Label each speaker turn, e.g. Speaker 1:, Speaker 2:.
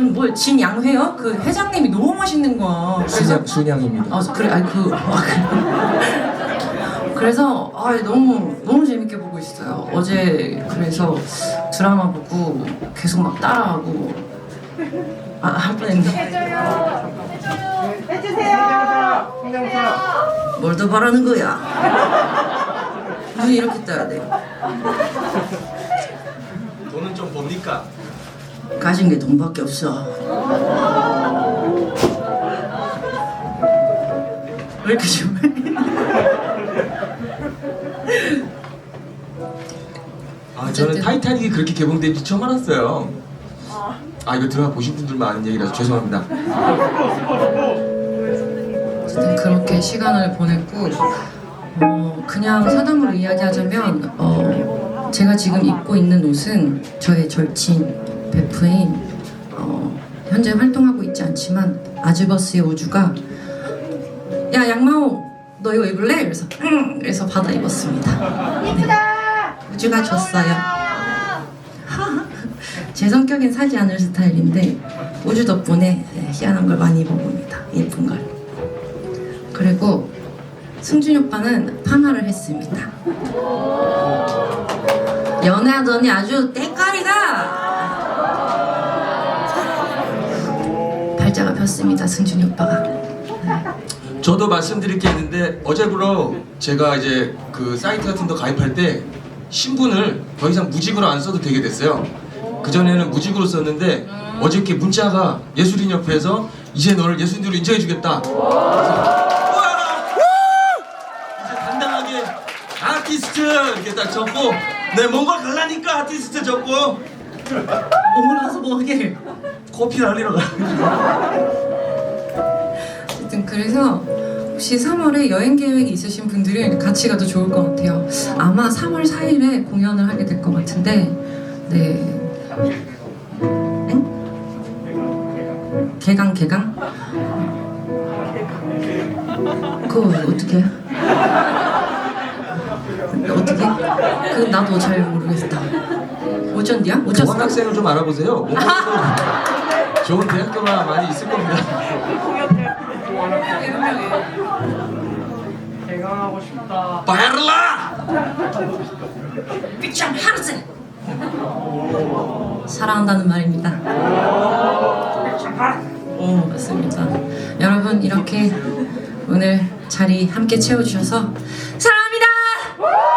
Speaker 1: 뭐 진양회요? 그 회장님이 너무 맛있는 거야. 그래서
Speaker 2: 순양입니다.
Speaker 1: 그래 아니 그래. 그래서 너무 재밌게 보고 있어요. 어제 그래서 드라마 보고 계속 막 따라하고 할 뻔했네.
Speaker 3: 해주세요.
Speaker 1: 뭘 더 바라는 거야? 눈이 이렇게 떠야 돼.
Speaker 2: 돈은 좀 봅니까?
Speaker 1: 가진 게 돈밖에 없어. 왜 이렇게 좋아해?
Speaker 2: 저는 타이타닉이 그렇게 개봉된지 처음 알았어요. 이거 드라마 보신 분들만 아는 얘기라서 죄송합니다.
Speaker 1: 어쨌든 그렇게 시간을 보냈고 그냥 사담으로 이야기하자면 제가 지금 입고 있는 옷은 저의 절친 베프인 현재 활동하고 있지 않지만 아즈버스의 우주가 야 양마오 너 이거 입을래? 그래서 그래서 받아 입었습니다.
Speaker 3: 이쁘다.
Speaker 1: 우주가 줬어요. 제 성격엔 사지 않을 스타일인데 우주 덕분에 희한한 걸 많이 입어봅니다. 예쁜 걸. 그리고 승준이 오빠는 파마를 했습니다. 연애하더니 아주 때깔이가 발자가 폈습니다. 승준이 오빠가.
Speaker 2: 저도 말씀드릴 게 있는데 어제부로 제가 이제 그 사이트 같은 데 가입할 때 신분을 더 이상 무직으로 안 써도 되게 됐어요. 그전에는 무직으로 썼는데 어저께 문자가 예술인협회에서 이제 너를 예술인으로 인정해주겠다. 이제 당당하게 아티스트 이렇게 딱 적고 네 뭔가 갈라니까 아티스트 적고
Speaker 1: 오늘 가서 뭐 하게?
Speaker 2: 커피 날리러 가.
Speaker 1: 어쨌든 그래서 혹시 3월에 여행 계획이 있으신 분들은 같이 가도 좋을 것 같아요. 아마 3월 4일에 공연을 하게 될 것 같은데 네. 응? 개강? 그거 어떻게 해? 어떻게? 그건 나도 잘 모르겠다. 오전디야? 오졌어?
Speaker 2: 교환학생을 좀 알아보세요. 뭔가 좋은 대학교가 많이 있을 겁니다.
Speaker 3: 개강하고 싶다.
Speaker 2: 바르라!
Speaker 1: 삐참 하르세! 사랑한다는 말입니다. 맞습니다. 여러분 이렇게 오늘 자리 함께 채워주셔서 사랑합니다!